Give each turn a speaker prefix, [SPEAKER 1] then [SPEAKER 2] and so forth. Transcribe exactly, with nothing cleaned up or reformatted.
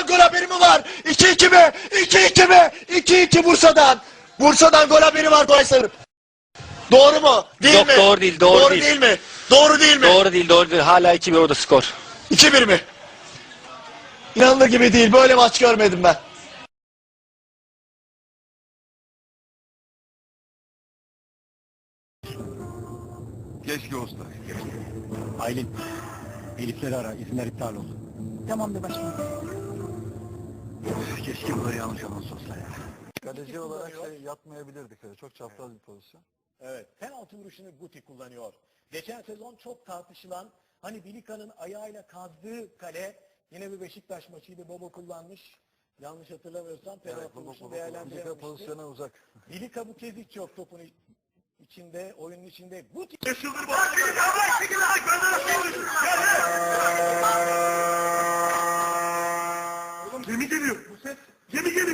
[SPEAKER 1] Bursa'dan gol haberi mi var? iki iki mi? iki iki mi? iki iki Bursa'dan. Bursa'dan gol haberi var Koysar'ın. Doğru mu? Değil
[SPEAKER 2] Yok,
[SPEAKER 1] mi?
[SPEAKER 2] doğru değil, doğru
[SPEAKER 1] doğru
[SPEAKER 2] değil.
[SPEAKER 1] değil mi? Doğru değil mi?
[SPEAKER 2] Doğru değil, doğru değil. Hala iki bir orada skor.
[SPEAKER 1] iki bir mi? İnanılır gibi değil. Böyle maç görmedim ben.
[SPEAKER 3] Keşke usta. Keşke.
[SPEAKER 4] Aylin, Elifleri ara, izinler iptal olsun.
[SPEAKER 5] Tamamdır başkanım.
[SPEAKER 3] Keşke burada yanlış anons olsa ya.
[SPEAKER 6] Kaleci olarak şey yapmayabilirdik. Çok çapraz bir pozisyon.
[SPEAKER 4] Evet, penaltı vuruşunu Guti kullanıyor. Geçen sezon çok tartışılan, hani Bilika'nın ayağıyla kazdığı kale, yine bir Beşiktaş maçıydı, Bobo kullanmış. Yanlış hatırlamıyorsam penaltı vuruşunu değerlendirememişti.
[SPEAKER 6] Pozisyona uzak.
[SPEAKER 4] Bilika bu kez hiç yok topun içinde, oyunun içinde. Guti!
[SPEAKER 3] Gemi geliyor. Bu ses. Gemi geliyor.